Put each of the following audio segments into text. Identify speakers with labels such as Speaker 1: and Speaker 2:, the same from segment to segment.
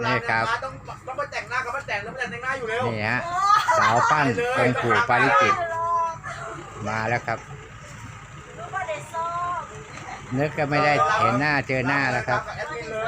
Speaker 1: นี่ครับ
Speaker 2: ต้องมาแต่งหน้ากับมาแต่งแล้วมาแต่งหน้าอยู่เร็ว
Speaker 1: นี่ฮะสาวปั้นองค์ปู่ปาริจิตมาแล้วครับนึกก็ไม่ได้เห็นหน้าเจอหน้าแล้วครับ
Speaker 2: แอดมินเลย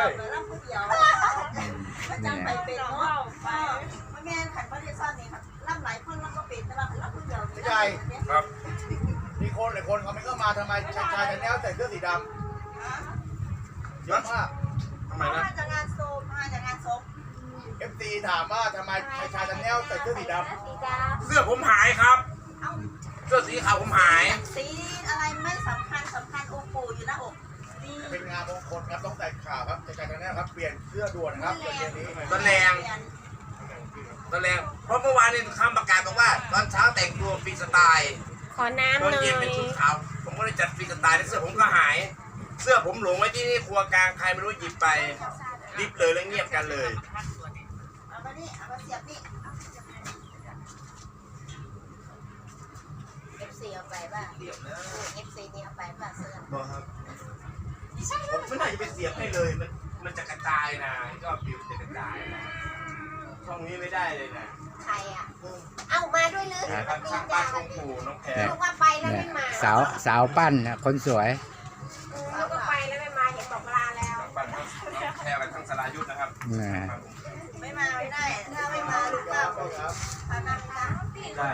Speaker 1: นี่
Speaker 3: ไปเป็นเนาะแม่ขันพระเดชซ่อนนี่ครับล่ำหลายคนแล้วก็เป็นแต่ว่าล่ำคนเดียว
Speaker 2: ไม่ใช่ครับมีคนหลายคนเขาไม่ก็มาทำไมชายแนวใส่เสื้อสีดำเยอะมากทำไมนะ
Speaker 3: มาจากงานโซมมาจากงานศพ
Speaker 2: FT ถามว่าทำไมชายแนวใส่เสื้อสีดำ
Speaker 4: เสื้อผมหายครับ เสื้อสีขาวผมหาย
Speaker 3: สีอะไรไม่สำคัญองค์ปู่อยู่หน้าอกดี
Speaker 2: เป็นงานมงคลครับต้องใส่ข่าวครับชายแนวครับเปลี่ยนเสื้อด่วนนะครับเปลี่ยนนี้
Speaker 4: ตะแรงเพราะเมื่อวานนี้คำประกาศบอกว่าตอนเช้าแต่งตัวฟรีสไตล์
Speaker 5: ขอน้ำ
Speaker 4: ตอน
Speaker 5: หน่อ
Speaker 4: เย็นเป็น
Speaker 5: ย
Speaker 4: ชุดขาวผมก็เลยจัดฟรีสไตล์แล้วเสื้อผมก็หาย เสื้อผมหลงไว้ที่นี่ครัวกลางใครไม่รู้หยิบไปรีบเลยแล้วเงียบกันเลย
Speaker 3: เอามานี่เอามาเสียบนี่ FC เอาไปป่ะ FC นี่เอาไปป่ะเสื้อ
Speaker 4: บอกครับผมไม่น่าจะไปเสียบให้เลยมันจะกระจายนะยอดวิวจะกระจายนะช่องนี้ไม่ได้เลยนะ
Speaker 5: ใครอ่ะ เอามาด้วยเลย
Speaker 4: ครับช่างบ้านของปู่น้องแพร
Speaker 5: ลูกว่าไปแล้ว
Speaker 1: เนี่ย
Speaker 5: ไม่มา
Speaker 1: สาวปั้นนะคนสวย
Speaker 5: ลูกว่าไปแล้วไม่มาเห็นบอกลาแล้ว
Speaker 4: ช่างบ้านน้องแพรกันทั้งสลายุทธนะครับ
Speaker 1: นะ
Speaker 3: ไม่มาไม่ได้ถ้าไม่มาลูกก็
Speaker 2: ครับ
Speaker 3: พานั่งนะ
Speaker 4: ได้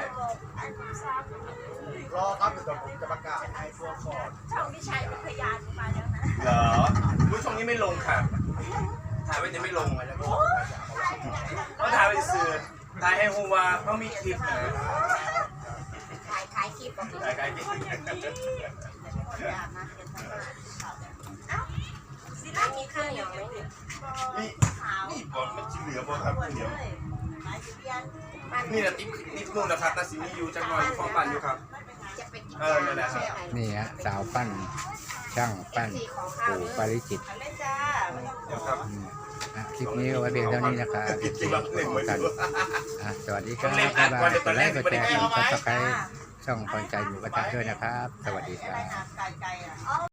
Speaker 2: รอครับเดี๋ยวผมจะประกาศให้ตัวก่อน
Speaker 3: ช่องที่ชัยเป็นพยานมาแล้วนะ
Speaker 4: เหรอรู้ช่องนี้ไม่ลงค่ะถ่ายไว้จะไม่ลงก็ถ่ายไปสื่อถ่ายให้ฮูวาเขามีคลิปนะ
Speaker 5: ขายคลิปบอก
Speaker 4: ถ่ายไกลจริง
Speaker 5: สิร้านมีข้าวเหนียวไหมเนี่ย
Speaker 4: นี่บอลมันจะเหลือบอลครับเดี๋ยว
Speaker 3: หลายสิบยัน
Speaker 4: นี่นะติ๊บนู่นนะครับนาซิมีอยู่จังหวัดฟองปันอยู่ครับ
Speaker 5: จะไปกิน
Speaker 4: นั่นแหละครับ
Speaker 1: นี่ฮะสาวปั้นช่างปั้นปู่ปาริจิต
Speaker 3: เล่นจ้าไม่ต้อง
Speaker 4: เดี๋ยวครับ
Speaker 1: คลิปนี้เอาไว้เพียงเท่านี้นะครับ
Speaker 4: จริงๆแบบหนึ่งไว้
Speaker 1: กัน
Speaker 4: ดู
Speaker 1: สวัสดีครับบ๊ายบายกดไลค์กดแชร์กดซับสไครต์ช่องพรใจหมูกระทะด้วยนะครับ สวัสดีค
Speaker 3: อะไร
Speaker 1: รับ
Speaker 3: นะไก่อ่ะ